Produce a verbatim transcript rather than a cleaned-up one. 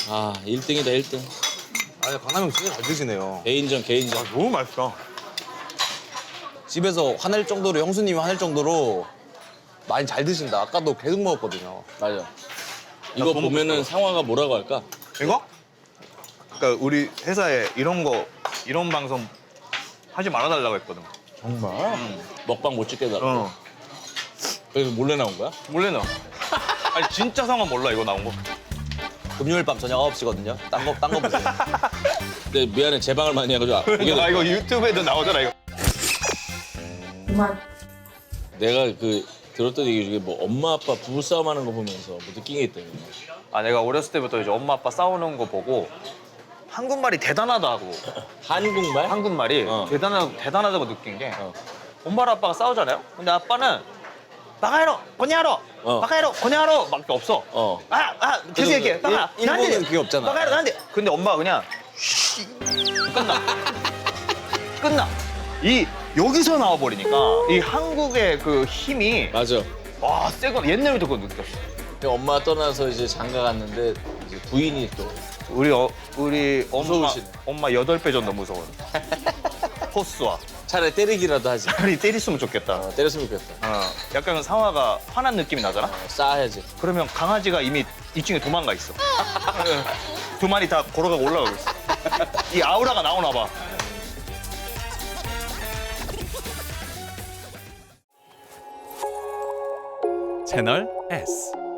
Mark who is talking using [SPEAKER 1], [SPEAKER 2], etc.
[SPEAKER 1] 아, 일 등이다, 일 등.
[SPEAKER 2] 아, 강남 형 진짜 잘 드시네요.
[SPEAKER 1] 개인전, 개인전.
[SPEAKER 2] 너무 맛있어.
[SPEAKER 3] 집에서 화낼 정도로 형수님이 화낼 정도로 많이 잘 드신다. 아까도 계속 먹었거든요.
[SPEAKER 1] 맞아. 이거
[SPEAKER 2] 더
[SPEAKER 1] 보면은
[SPEAKER 2] 먹고
[SPEAKER 1] 상화가 뭐라고 할까?
[SPEAKER 2] 이거? 그러니까 우리 회사에 이런 거, 이런 방송 하지 말아달라고 했거든.
[SPEAKER 1] 정말? 먹방 못 찍게 해달라.
[SPEAKER 2] 어.
[SPEAKER 1] 그래서 몰래 나온 거야?
[SPEAKER 2] 몰래 나. 아니 진짜 상황 몰라 이거 나온 거.
[SPEAKER 3] 금요일 밤 저녁 아홉 시거든요. 딴 거, 딴 거 보세요.
[SPEAKER 1] 근데 미안해, 제방을 많이 해가지고 아, 보게
[SPEAKER 2] 아
[SPEAKER 1] 돼.
[SPEAKER 2] 이거 유튜브에도 나오잖아 이거.
[SPEAKER 1] 내가 그 들었던 얘기 중에 뭐 엄마 아빠 부부싸움 하는 거 보면서 뭐 느낀 게 있다며.
[SPEAKER 2] 아 내가 어렸을 때부터 이제 엄마 아빠 싸우는 거 보고 한국말이 대단하다고.
[SPEAKER 1] 한국말?
[SPEAKER 2] 한국말이
[SPEAKER 1] 어.
[SPEAKER 2] 대단하, 대단하다고 느낀 게
[SPEAKER 1] 어.
[SPEAKER 2] 엄마랑 아빠가 싸우잖아요. 근데 아빠는 바카야로, 고냐로,
[SPEAKER 1] 어.
[SPEAKER 2] 바카야로, 고냐로 밖에 없어.
[SPEAKER 1] 어.
[SPEAKER 2] 아, 아, 계속 얘기해.
[SPEAKER 3] 일-
[SPEAKER 2] 바카,
[SPEAKER 3] 일본은 그게 없잖아.
[SPEAKER 2] 바카야로, 난데. 근데 엄마가 그냥 쉬, 끝나. 끝나. 이 여기서 나와버리니까 이 한국의 그 힘이
[SPEAKER 1] 맞아.
[SPEAKER 2] 와, 세거 옛날부터 그거 느꼈어.
[SPEAKER 1] 근데 엄마가 떠나서 이제 장가 갔는데 이제 부인이 또
[SPEAKER 2] 우리 어, 우리 엄마
[SPEAKER 1] 무서우시네.
[SPEAKER 2] 엄마 여덟 배 정도 무서워. 포스와
[SPEAKER 1] 차라리 때리기라도 하지.
[SPEAKER 2] 차라리 때렸으면 좋겠다.
[SPEAKER 1] 어, 때렸으면 좋겠다.
[SPEAKER 2] 어, 약간 상화가 화난 느낌이 나잖아.
[SPEAKER 1] 어, 싸야지.
[SPEAKER 2] 그러면 강아지가 이미 이 층에 도망가 있어. 두 마리 다 걸어가고 올라가고 있어. 이 아우라가 나오나 봐.
[SPEAKER 4] 채널 S